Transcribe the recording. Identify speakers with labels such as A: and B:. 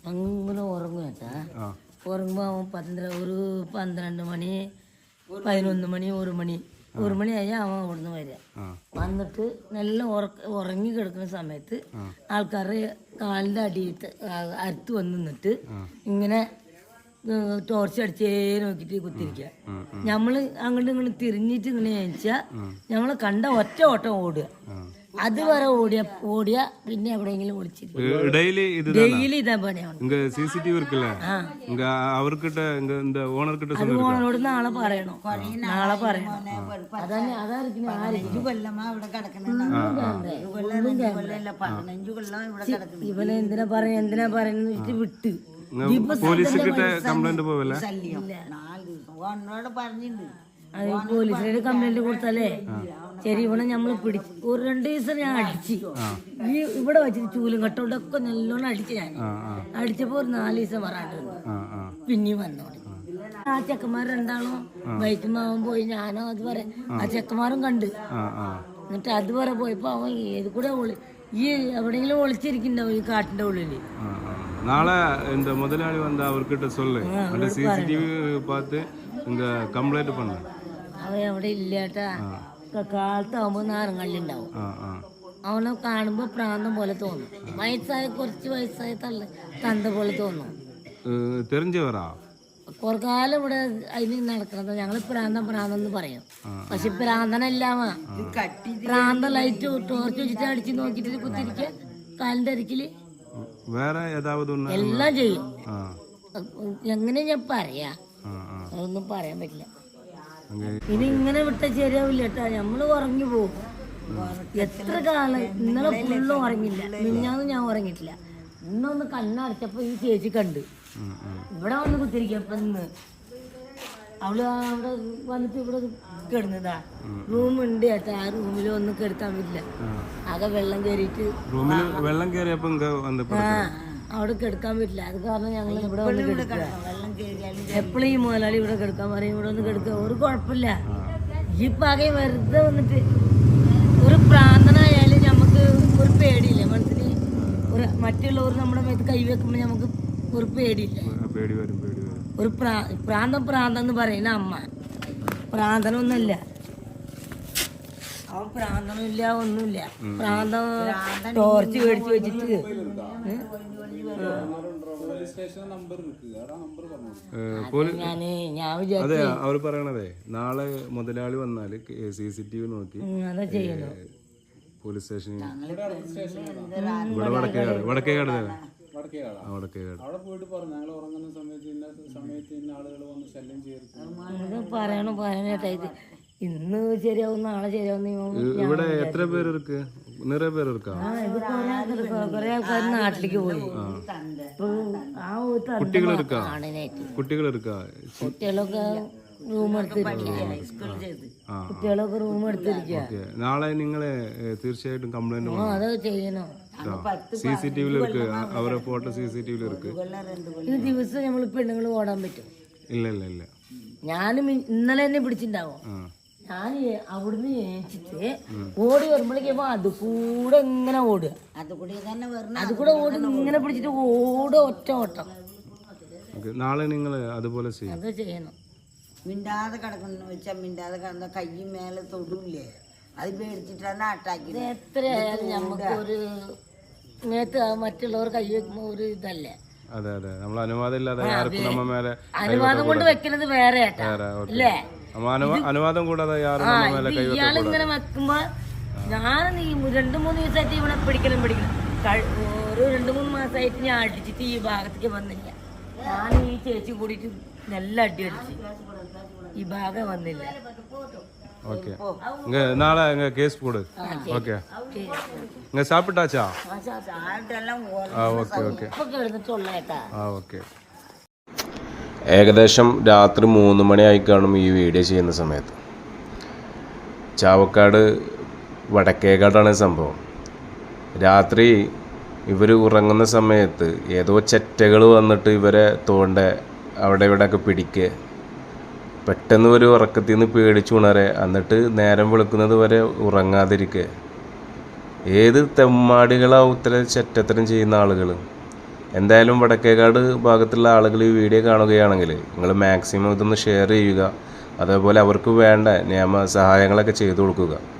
A: അങ്ങനെ ഉറങ്ങും കേട്ടാ. ഉറങ്ങുമ്പോൾ അവൻ 12 മണി 11 മണി 1 മണിയായി അവൻ അവിടുന്ന് വരിക. വന്നിട്ട് നല്ല ഉറങ്ങി കിടക്കുന്ന സമയത്ത് ആൾക്കാരുടെ കാലിൻ്റെ അടിയിട്ട് അരുത്ത് വന്ന് നിന്നിട്ട് ഇങ്ങനെ ടോർച്ച് അടിച്ചേ നോക്കിയിട്ട് കുത്തിരിക്കുക. നമ്മള് അങ്ങോട്ടും ഇങ്ങോട്ടും തിരിഞ്ഞിട്ട് ഇങ്ങനെ ചോദിച്ചാൽ നമ്മള് കണ്ട ഒറ്റ ഓട്ടം ഓടുക. അതുവരെ ഓടിയ പിന്നെ എവിടെയെങ്കിലും ഒളിച്ചിരിക്കും. ഡെയിലി ഇതാ പണിയാണ്. അത് ഓണോട് നാളെ പറയണോ? അതന്നെ അതായിരിക്കും. ഇവനെ എന്തിനാ പറയുന്നത് വിട്ട് പോലീസിനോട് കംപ്ലൈന്റ് കൊടുത്താലേ ശരി. ഇവിടെ നമ്മള് പിടിച്ചു ഒരു 2 ദിവസം ഞാൻ അടിച്ച് ഇവിടെ വെച്ചിട്ട് ചൂലും കട്ടോണ്ടൊക്കെ നല്ലോണം അടിച്ചു. ഞാൻ അടിച്ചപ്പോ ഒരു 4 ദിവസം വരാണ്ട് പിന്നെയും വന്നോളി. ആ ചെക്കന്മാർ രണ്ടാളും ബൈക്കുമാവൻ പോയി. ഞാനോ അതുവരെ ആ ചെക്കന്മാരും കണ്ട്. എന്നിട്ട് അതുവരെ പോയപ്പോ അവൻ ഏത് കൂടെ ഈ എവിടെയെങ്കിലും ഒളിച്ചിരിക്കണ്ടാവും ഈ കാട്ടിന്റെ ഉള്ളില്.
B: നാളെ இந்த முதலாளி வந்து அவர்கிட்ட சொல்லு. அந்த சிசிடிவி பார்த்து இங்க கம்ப்ளைண்ட் பண்ணு.
A: അവൻ എവിടെ ഇല്ലാട്ടാ. കാലത്താവുമ്പോ നാരങ്ങള്ളിണ്ടാവും. അവനെ കാണുമ്പോ പ്രാന്തം പോലെ തോന്നും. കുറച്ച് വയസ്സായ തന്ത പോലെ തോന്നും.
B: തെരഞ്ഞവരാ
A: കുറേ കാലം ഇവിടെ അതിന് നടക്കുന്നത്. ഞങ്ങള് പ്രാന്തം പറയും. പക്ഷെ പ്രാന്തനല്ലാമ പ്രാന്തം ലൈറ്റ് ടോർച്ച് വെച്ചിട്ട് അടിച്ച് നോക്കിട്ട് കുത്തിരിക്ക കാലിന്റെ അരിക്കില്
B: വേറെ
A: എല്ലാം ചെയ്യും. എങ്ങനെ ഞാൻ പറയാ? അതൊന്നും പറയാൻ പറ്റില്ല. ഇനി ഇങ്ങനെ വിട്ട ശരിയാവില്ല കേട്ടാ. നമ്മള് ഉറങ്ങി പോകും. എത്ര കാലം ഇന്നലെ ഫുള്ളും ഉറങ്ങില്ല. മിഞ്ഞാന്ന് ഞാൻ ഉറങ്ങിയിട്ടില്ല. ഇന്നൊന്ന് കണ്ണടച്ചപ്പോ ഈ ചേച്ചി കണ്ട് ഇവിടെ വന്ന് കുത്തിരിക്കപ്പ ഇന്ന് അവള് അവിടെ വന്നിട്ട് ഇവിടെ കിടന്നതാ. റൂമുണ്ട് ചേട്ടാ. ആ റൂമിൽ ഒന്നും കിടക്കാൻ പറ്റില്ല. ആകെ വെള്ളം കയറിയിട്ട് അവിടെ കിടക്കാൻ പറ്റില്ല. അത് കാരണം ഞങ്ങൾ ഇവിടെ വന്ന് കിടക്കുക. എപ്പോഴും ഈ മുതലാളി ഇവിടെ കിടക്കാൻ പറയും. ഇവിടെ ഒന്ന് കിടക്കുക. ഒരു കുഴപ്പമില്ല. ഈ പകെ വെറുതെ വന്നിട്ട് ഒരു പ്രാന്തനായാലും നമുക്ക് ഒരു പേടിയില്ല മനസ്സിന്. മറ്റുള്ളവർ നമ്മുടെ മേത്ത് കൈവെക്കുമ്പോ നമുക്ക് ഒരു പേടിയില്ല. ഒരു പ്രാന്തം എന്ന് പറയുന്ന അമ്മ പ്രാന്തനൊന്നുമില്ല. അവൻ പ്രാന്തനുമില്ല ഒന്നുമില്ല. പ്രാന്തം ടോർച്ച് മേടിച്ച് വെച്ചിട്ട്
B: അവർ പറയണതേ നാളെ മുതലാളി വന്നാല് CCTV നോക്കി
A: അതാ ചെയ്യണോ
B: പോലീസ് സ്റ്റേഷനിൽ ഇവിടെ വടക്കേകാട്
C: അവിടെ പോയിട്ട് പറഞ്ഞു ഞങ്ങൾ ഉറങ്ങുന്ന സമയത്ത് ഇന്ന ആളുകൾ വന്ന് ശല്യം ചെയ്തു
A: പറയണേട്ടാ. ഇത് ഇന്ന് ശരിയാവും നാളെ ശരിയാവും.
B: ഇവിടെ എത്ര പേര് നിറയെ പേര്
A: കൊറേ ആൾക്കാർ നാട്ടിലേക്ക് പോയി. കുട്ടികളൊക്കെ റൂം എടുത്തിരിക്കുക.
B: നാളെ നിങ്ങളെ തീർച്ചയായിട്ടും കംപ്ലൈന്റ്
A: അത് ചെയ്യണോ?
B: CCTV അവരെ ഫോട്ടോ CCTV
A: ഇത് ദിവസം നമ്മൾ പെണ്ണുങ്ങൾ ഓടാൻ പറ്റും?
B: ഇല്ല.
A: ഞാനും ഇന്നലെ തന്നെ പിടിച്ചിട്ടുണ്ടാവും. ഞാൻ അവിടുന്ന് ഏച്ചിട്ട് ഓടി വരുമ്പോഴേക്കും അത് കൂടെ ഇങ്ങനെ ഓടുക. അത് കൂടെ ഓടി ഇങ്ങനെ പിടിച്ചിട്ട് ഒറ്റ ഓട്ടം.
B: നാളെ നിങ്ങൾ അതുപോലെ
A: ചെയ്യണം.
D: മിണ്ടാതെ കിടക്കുന്നു വെച്ചാൽ മിണ്ടാതെ കിടന്ന കൈ മേലെ തൊടൂല്ലേ അത് പേടിച്ചിട്ടാണ് അറ്റാക്ക്.
A: എത്രയായാലും നമുക്ക് ഒരു മറ്റുള്ളവർ കൈ വെക്കുമ്പോ ഒരു ഇതല്ലേ. അനുവാദം കൊണ്ട് വെക്കുന്നത് വേറെ അല്ലേ?
B: അനുവാദം കൂടാതെ
A: ഇയാളിങ്ങനെ വെക്കുമ്പോ ഞാൻ 2-3 ദിവസമായിട്ട് ഇവിടെ പിടിക്കണം. ഒരു 2-3 മാസമായിട്ട് ഞാൻ അടിച്ചിട്ട് ഈ ഭാഗത്തേക്ക് വന്നില്ല. ഞാൻ ഈ ചേച്ചി കൂടിയിട്ട് നല്ല അടി അടിച്ച് ഈ ഭാഗം വന്നില്ല.
B: நாளை கேஸ் போடு. ஓகே சாப்பிட்டாச்சா? ഓക്കെ. ഏകദേശം രാത്രി 3 മണിയായി കാണും ഈ വീഡിയോ ചെയ്യുന്ന സമയത്ത്. ചാവക്കാട് വടക്കേക്കാടാണ് സംഭവം. രാത്രി ഇവർ ഉറങ്ങുന്ന സമയത്ത് ഏതോ ചെറ്റകൾ വന്നിട്ട് ഇവരെ അവിടെ ഇവിടെയൊക്കെ പിടിക്കുക. പെട്ടെന്ന് ഒരു ഉറക്കത്തിൽ നിന്ന് പേടിച്ചുണരെ. എന്നിട്ട് നേരം വെളുക്കുന്നത് വരെ ഉറങ്ങാതിരിക്കുക. ഏത് തെമ്മാടികളാവും ഇത്തരം ചെറ്റത്തരം ചെയ്യുന്ന ആളുകൾ. എന്തായാലും വടക്കേക്കാട് ഭാഗത്തുള്ള ആളുകൾ ഈ വീഡിയോ കാണുകയാണെങ്കിൽ നിങ്ങൾ മാക്സിമം ഇതൊന്ന് ഷെയർ ചെയ്യുക. അതേപോലെ അവർക്ക് വേണ്ട നിയമ സഹായങ്ങളൊക്കെ ചെയ്തു കൊടുക്കുക.